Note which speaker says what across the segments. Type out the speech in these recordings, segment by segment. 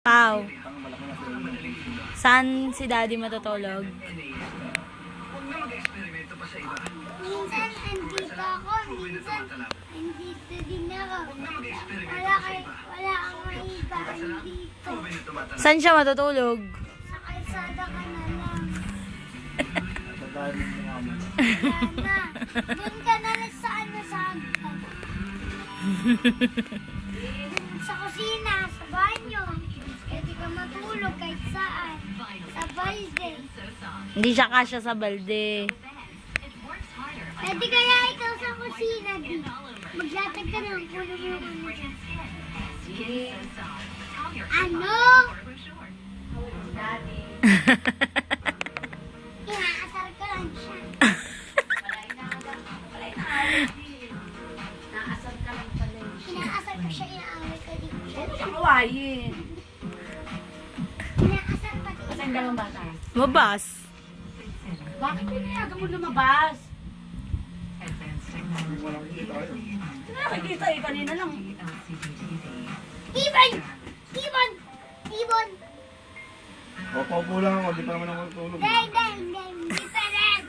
Speaker 1: Pao. Saan si daddy matutulog?
Speaker 2: Minsan andito ako, minsan andito din ako. Wala kang mahigaan dito.
Speaker 1: Saan siya matutulog?
Speaker 2: Sa kalsada ka na lang.
Speaker 3: Dadalhin mo nga mo.
Speaker 2: Sana. Doon ka na lang sa ano sa hagdan. Sa kusina, sa banyo. Pwede ka matulog kahit saan. Sa balde.
Speaker 1: Hindi siya kasya sa balde.
Speaker 2: Pwede kaya ikaw sa kusina, di. Maglatag ka ng kulong mo dyan. Ano? Inaasar ka lang siya. Inaasar ka siya, inaaway ka din siya.
Speaker 4: Kawain.
Speaker 2: Inaasar ka din.
Speaker 4: Kasi ang dalawang bata.
Speaker 1: Mabas.
Speaker 4: Bakit pinayagan mo lumabas?
Speaker 3: Walang kita tayo.
Speaker 4: Nakikita eh, kanina lang.
Speaker 2: Ibon! Ibon! Ibon!
Speaker 3: O, paupo lang ako. Di pa naman ako tulog.
Speaker 2: Hindi pa rin.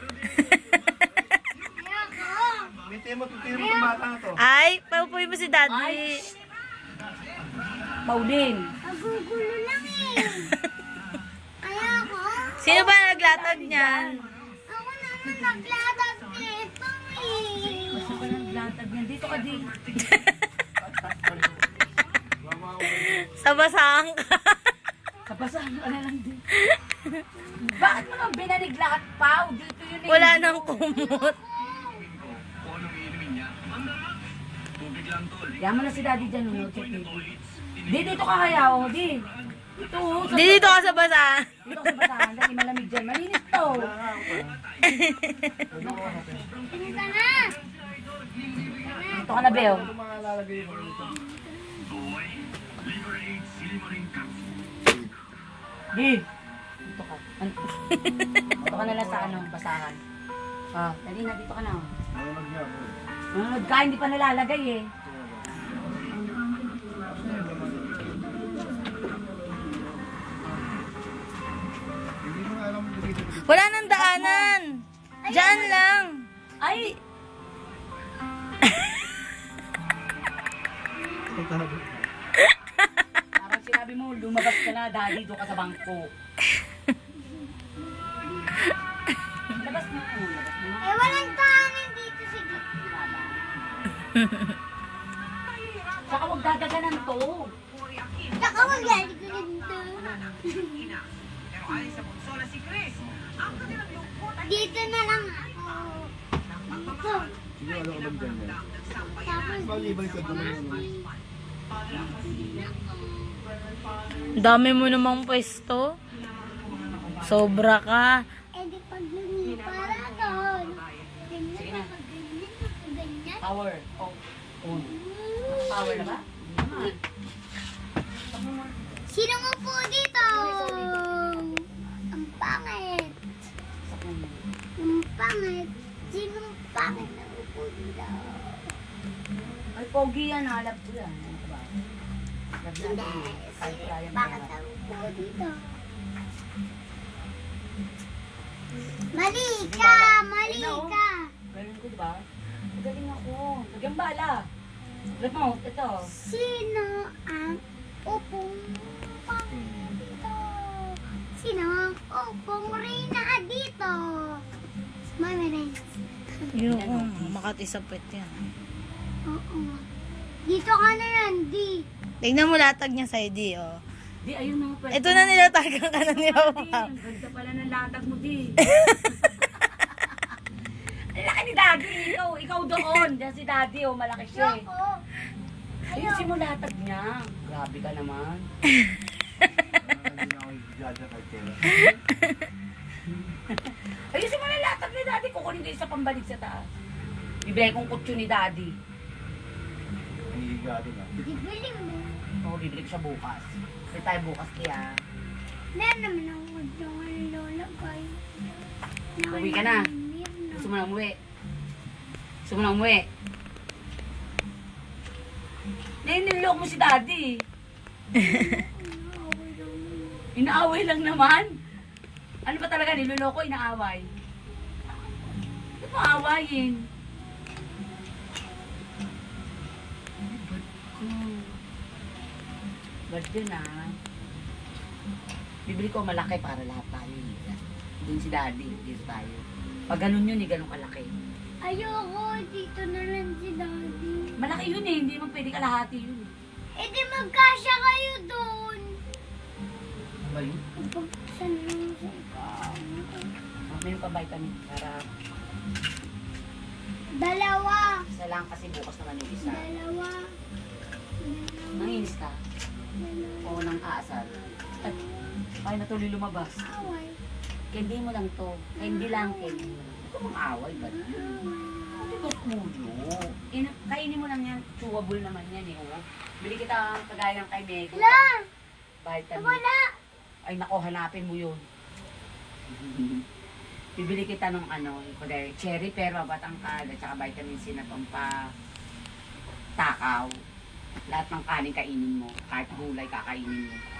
Speaker 2: Ayoko.
Speaker 3: Tingnan mo itong bata na to.
Speaker 1: Ay, paupuin mo si daddy.
Speaker 4: Pauline.
Speaker 2: Magugulo lang eh. Ayoko.
Speaker 1: Sino ba naglatag niyan?
Speaker 2: Ako na naglatag nito eh.
Speaker 4: Gusto ka ng latag niyan. Dito ka din.
Speaker 1: Sa basang ka.
Speaker 4: Kabasahan ka na lang din. Bakit mo nang binanig lahat, Pao? Dito yun eh.
Speaker 1: Wala nang kumot.
Speaker 4: Yan mo na si Daddy dyan, no? Check dito. Di, dito ka kaya, oh. Di. Dito, sa
Speaker 1: Di dito ka sa basa.
Speaker 4: Dito ka sa basahan. Dali, malamig dyan. Malinis to.
Speaker 2: Tingin ka na.
Speaker 4: Dito ka na, Beo.
Speaker 3: Ito mga lalagay mo dito.
Speaker 4: Di. Dito ka. Dito ka na lang sa ano, basahan. Ah, dali na, dito ka na.
Speaker 3: Malamag niya ako.
Speaker 4: Nanonood ka, hindi pa nalalagay eh.
Speaker 3: Hindi mo nga alam mo dito.
Speaker 1: Wala nang daanan. Diyan lang.
Speaker 4: Ay! Parang sinabi mo, lumabas ka na, Daddy, doon ka sa bangko. Labas mo. Labas mo.
Speaker 2: Eh, walang tahanan dito sa gitna.
Speaker 4: Saka huwag dadaganan to.
Speaker 2: Saka magaling ko dito. Dito na lang ako. Dito.
Speaker 3: Sige, alam ko ba dyan yan?
Speaker 2: Tapos
Speaker 3: Malibay ka doon.
Speaker 1: Ang dami mo namang pwesto. Sobra ka.
Speaker 2: eh di pag lumipara doon. Ganyan na, ganyan, ganyan.
Speaker 4: Power. Oh. On. Power na ba?
Speaker 2: Sino mo po dito? Ang pangit. Ang pangit. Sinong pangit na upo dito?
Speaker 4: Ay, pogi yan. Halap ko yan. Ano ba?
Speaker 2: Hindi.
Speaker 4: Ay, kaya mo
Speaker 2: Bakit
Speaker 4: yan.
Speaker 2: ang upo dito? Mali ka! Mali ka!
Speaker 4: Galing ko, diba? Magaling ako. Lagyan bala. Alam mo, ito.
Speaker 2: Sino ang upong pangit dito? Sino ang upong reyna dito? Mami rin.
Speaker 1: Yung makatisapit yan.
Speaker 2: Oo. Dito ka na yan, di.
Speaker 1: Tignan mo latag niya sa ID, oh.
Speaker 4: Di, ayun na. pwede.
Speaker 1: Ito na nilatagan ka na ni
Speaker 4: Di,
Speaker 1: Papa.
Speaker 4: ang ganda pala ng latag mo, di. Ang laki ni Daddy. Ikaw doon. Diyan si Daddy, oh. Malaki siya eh.
Speaker 2: Ako.
Speaker 4: Ayusin mo latag niya. Grabe ka naman.
Speaker 3: Hindi na ako jaja kahit kailan.
Speaker 4: Ayusin mo na latag ni Daddy. Kukunin ko yung sa pambalik sa taas. Bibigay kong kutso ni Daddy.
Speaker 3: Nangihiga doon ah.
Speaker 2: Bibili mo.
Speaker 4: Oo, bibili ko siya bukas. Kasi tayo bukas kaya.
Speaker 2: Meron naman ako ng lola kay.
Speaker 4: Uwi ka na. Gusto mo na umuwi. Gusto mo na umuwi. Nilolok mo si Daddy. Inaaway lang naman. Ano ba talaga, niloloko, inaaway? Ano mo aawayin? Bad yun ah. Bibili ko malaki para lahat tayo. Doon si daddy, dito tayo. Pag ganun yun, ganun kalaki.
Speaker 2: Ayoko, dito na lang si Daddy.
Speaker 4: Malaki yun eh, hindi naman pwede kalahati yun.
Speaker 2: Eh di magkasya kayo doon.
Speaker 4: Ano ba yun?
Speaker 2: Kapag saan lang sa ikaw.
Speaker 4: Mayroon pa vitamin para
Speaker 2: Dalawa.
Speaker 4: isa lang kasi bukas naman yung isa.
Speaker 2: Dalawa.
Speaker 4: Nanginis ka? O nang aasal? At ay natuloy lumabas.
Speaker 2: Away.
Speaker 4: Candy mo lang to. Candy lang, candy mo. Ito mga away ba yun? Ito ba kulo? Kainin mo lang yan. Chewable naman yan eh. Oh. Bili kita ang kagaya ng kay Meg.
Speaker 2: La!
Speaker 4: Vitamin.
Speaker 2: Wala.
Speaker 4: Ay nako, hanapin mo yun. Bibili kita ng ano, kagaya cherry pero batangkad at saka vitamin C na takaw. Lahat ng kanin kainin mo. Kahit gulay kakainin mo.